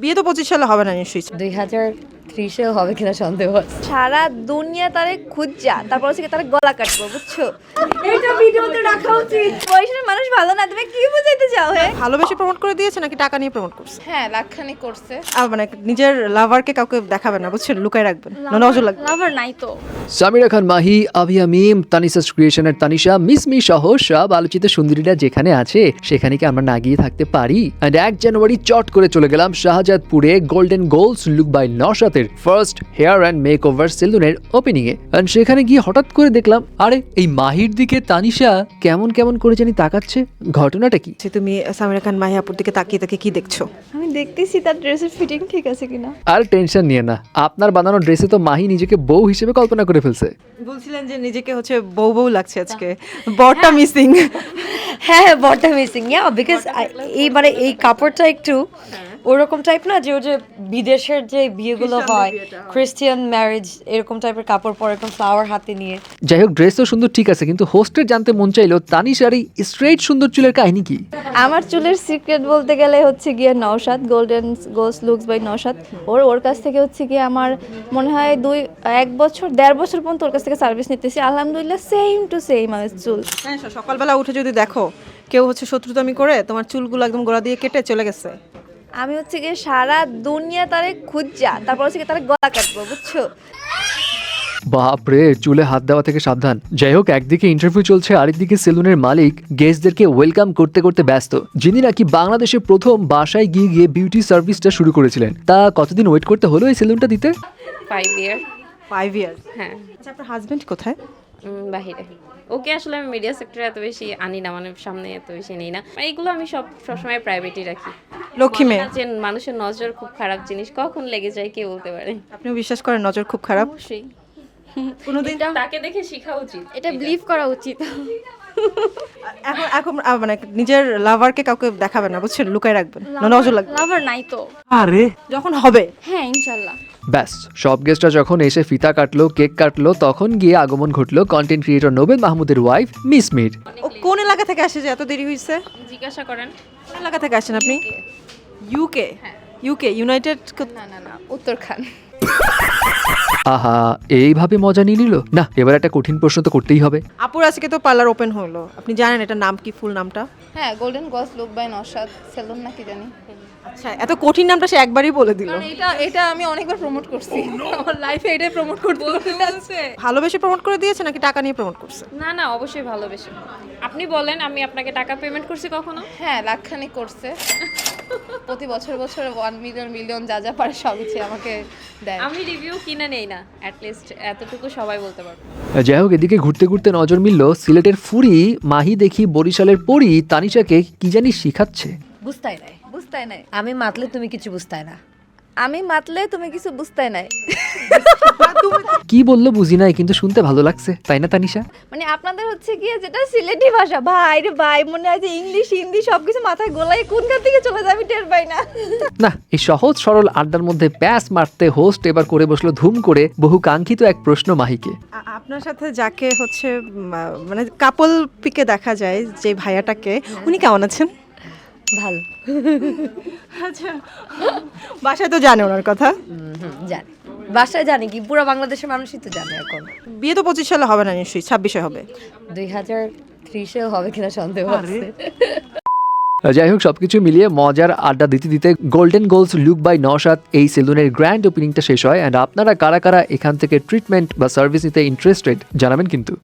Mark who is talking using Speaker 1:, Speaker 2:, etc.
Speaker 1: বিয়ে তো 25 সালে হবে না নিশ্চয়ই।
Speaker 2: 2030 হবে কিনা সন্দেহ আছে।
Speaker 3: সারা দুনিয়া তারে খুঁজা তারপর হচ্ছে তারে গলা কাটবো, বুঝছো?
Speaker 2: এটা ভিডিওতে রাখা উচিত।
Speaker 3: বয়সের মানুষ ভালো না, তুমি কি বুঝাইতে চাও? হ্যাঁ,
Speaker 1: ভালোবেসে প্রমোট করে দিয়েছে নাকি টাকা নিয়ে প্রমোট করছে?
Speaker 3: হ্যাঁ, লাখখানি করছে।
Speaker 1: মানে নিজের লাভারকে কাউকে দেখাবেন না, বুঝছেন, লুকায় রাখবেন, নজর লাগবে।
Speaker 3: লাভার নাই তো।
Speaker 4: সামিরা খান মাহি, আভিয়া মিম, তানিসাস ক্রিয়েশনের তানিশা, মিসমি সহ সব আলোচিত সুন্দরীরা যেখানে আছে সেখানে কি আমরা না গিয়ে থাকতে পারি? এন্ড 1 জানুয়ারি চট করে চলে গেলাম শাহজাদপুরে গোল্ডেন গোলস লুক বাই নওশাতের first hair and makeover সেলুনের ওপেনিং এ। এন্ড সেখানে গিয়ে হঠাৎ করে দেখলাম আরে এই মাহির দিকে তানিশা কেমন কেমন করে জানি তাকাচ্ছে। ঘটনাটা কি?
Speaker 1: তুমি সামিরা খান মাহি আপুর দিকে তাকিয়ে তাকিয়ে কি দেখছো?
Speaker 3: আমি দেখতেছি তার ড্রেসের ফিটিং ঠিক আছে কিনা।
Speaker 4: আর টেনশন নিয়ে না, আপনার বানানো ড্রেসে তো মাহি নিজেকে বউ হিসেবে কল্পনা করে ফেলছে।
Speaker 1: বলছিলেন যে নিজেকে হচ্ছে বউ বউ লাগছে আজকে, বরটা মিসিং।
Speaker 2: হ্যাঁ, বটটা মিসিং। বিকজ এইবারে এই কাপড়টা একটু ওরকম টাইপ না, যে ওই যে বিদেশের যে বিয়েগুলো হয়, খ্রিস্টিয়ান ম্যারেজ, এরকম টাইপের কাপড় পরে এরকম ফ্লাওয়ার হাতে নিয়ে।
Speaker 4: যাই হোক, ড্রেস তো সুন্দর ঠিক আছে, কিন্তু হোস্টের জানতে মন চাইলো তানিশার এই স্ট্রেইট সুন্দর চুলের কাহিনী কি?
Speaker 3: আমার চুলের সিক্রেট বলতে গেলে হচ্ছে গিয়ে Naushad, golden goals looks by Naushad. ওর কাছ থেকে হচ্ছে গিয়ে আমার মনে হয় 1.5 বছর পর্যন্ত ওর কাছ থেকে সার্ভিস নিতেছি। আলহামদুলিল্লাহ সেম টু সেম আমার চুল।
Speaker 1: হ্যাঁ, সকালবেলা উঠে যদি দেখো কেউ হচ্ছে শত্রুতামি করে তোমার চুলগুলো একদম গোড়া দিয়ে কেটে চলে গেছে।
Speaker 3: আমি হচ্ছে গিয়ে সারা দুনিয়া তারে খুঁজা তারপর হচ্ছে গিয়ে তারে গলা কাটবো, বুঝছো?
Speaker 4: বাপরে, চুলে হাত দেওয়া থেকে সাবধান। যাই হোক, একদিকে ইন্টারভিউ চলছে, আরেকদিকে সেলুনের মালিক গেস্টদেরকে ওয়েলকাম করতে করতে ব্যস্ত, যিনি নাকি বাংলাদেশে প্রথম বাসায় গিয়ে গিয়ে বিউটি সার্ভিসটা শুরু করেছিলেন। তা কতদিন ওয়েট করতে হলো এই সেলুনটা দিতে?
Speaker 5: 5 ইয়ার।
Speaker 1: 5 ইয়ার্স?
Speaker 5: হ্যাঁ।
Speaker 1: আচ্ছা, আপনার হাজবেন্ড কোথায়?
Speaker 5: বাহিরে। ওকে আসলে আমি মিডিয়া সেক্টরে এত বেশি আনি না, মানে সামনে এত বেশি নেই না, মানে এগুলো আমি সবসময় প্রাইভেটই রাখি।
Speaker 1: লক্ষ্মী মেয়ে।
Speaker 5: বলে না যে মানুষের নজর খুব খারাপ জিনিস, কখন লেগে যায় কে বলতে পারে।
Speaker 1: আপনিও বিশ্বাস করেন নজর খুব খারাপ?
Speaker 3: অবশ্যই
Speaker 1: কোনোদিন
Speaker 5: তাকে দেখে শেখা উচিত।
Speaker 3: এটা বিলিভ করা উচিত।
Speaker 1: এখন এখন মানে নিজের লাভারকে কাউকে দেখাবেন না, বুঝছেন, লুকায় রাখবেন, নজর লাগবে।
Speaker 3: লাভার নাই তো।
Speaker 1: যখন হবে।
Speaker 3: হ্যাঁ, ইনশাল্লাহ।
Speaker 4: ব্যাস, সব গেস্টরা যখন এসে ফিতা কাটলো, কেক কাটলো, তখন গিয়ে আগমন ঘটলো কন্টেন্ট ক্রিয়েটর নোবেল মাহমুদের ওয়াইফ মিসমির।
Speaker 1: ও কোন এলাকা থেকে আসে যে এত দেরি হয়েছে?
Speaker 5: জিজ্ঞাসা করেন।
Speaker 1: কোন এলাকা থেকে আসেন আপনি? ইউকে? UK united?
Speaker 3: না, উত্তরখান।
Speaker 4: আহা, এইভাবে মজা নিয়ে নিল না। এবার একটা কঠিন প্রশ্ন তো করতেই হবে।
Speaker 1: আপুর আজকে তো পার্লার ওপেন হলো, আপনি জানেন এটা নাম কি, ফুল নামটা?
Speaker 3: হ্যাঁ, golden goals look by Naushad salon নাকি জানি।
Speaker 1: আচ্ছা, এত কঠিন নামটা সে একবারই বলে দিল।
Speaker 3: এটা আমি অনেকবার প্রমোট করছি আমার লাইফে, এটাই প্রমোট করতে হচ্ছে।
Speaker 1: ভালোবেসে প্রমোট করে দিয়েছে নাকি টাকা নিয়ে প্রমোট করছে?
Speaker 5: না, অবশ্যই ভালোবেসে। আপনি বলেন, আমি আপনাকে টাকা পেমেন্ট করছি কখনো?
Speaker 3: হ্যাঁ, লাখখানি করছে। প্রতি বছর 1 মিলিয়ন যা যা পারে সব কিছু আমাকে দেয়।
Speaker 5: আমি রিভিউ কিনে নেই না, অ্যাটলিস্ট এতটুকু সবাই বলতে পারবে।
Speaker 4: যাই হোক, এদিকে ঘুরতে ঘুরতে নজর মিলল সিলেটের ফুরি মাহি দেখি বরিশালের পরি তানিশাকে কি জানি শিখাচ্ছে।
Speaker 2: বুঝতাই নাই। আমি মাতলে তুমি কিছু বুঝতাই না।
Speaker 3: আমি মাতলে তুমি কিছু বুঝতে নাই।
Speaker 4: কি বললো বুঝি নাই, কিন্তু শুনতে ভালো লাগছে, তাই না তানিশা?
Speaker 3: মানে আপনাদের হচ্ছে গিয়ে যেটা সিলেটি ভাষা, ভাই রে ভাই, মনে হয় যে ইংলিশ হিন্দি সবকিছু মাথায় গোলাই কোনখান থেকে চলে যায় আমি টের পাই না।
Speaker 4: না, এই সহজ সরল আড্ডার মধ্যে প্যাস মারতে হোস্ট এবার করে বসলো ধুম করে বহু কাঙ্ক্ষিত এক প্রশ্ন মাহিকে।
Speaker 1: আপনার সাথে যাকে হচ্ছে মানে কাপল পিকে দেখা যায় যে ভাইয়াটাকে, উনি কেমন আছেন?
Speaker 2: ভালো।
Speaker 1: আচ্ছা, বাসায় তো জানে ওনার কথা?
Speaker 2: জানি, বাসায় জানি কি, পুরো বাংলাদেশের মানুষই তো জানে এখন।
Speaker 1: বিয়ে তো 25 সালে হবে না নিশ্চয়ই, 26-এ হবে।
Speaker 2: 2030 হবে কিনা সন্দেহ আছে।
Speaker 4: যাই হোক, সবকিছু মিলিয়ে মজার আড্ডা দিতে দিতে golden goals look by Naushad এই সেলুনের গ্র্যান্ড ওপেনিংটা শেষ হয়। অ্যান্ড আপনারা কারা কারা এখান থেকে ট্রিটমেন্ট বা সার্ভিস নিতে ইন্টারেস্টেড জানাবেন কিন্তু।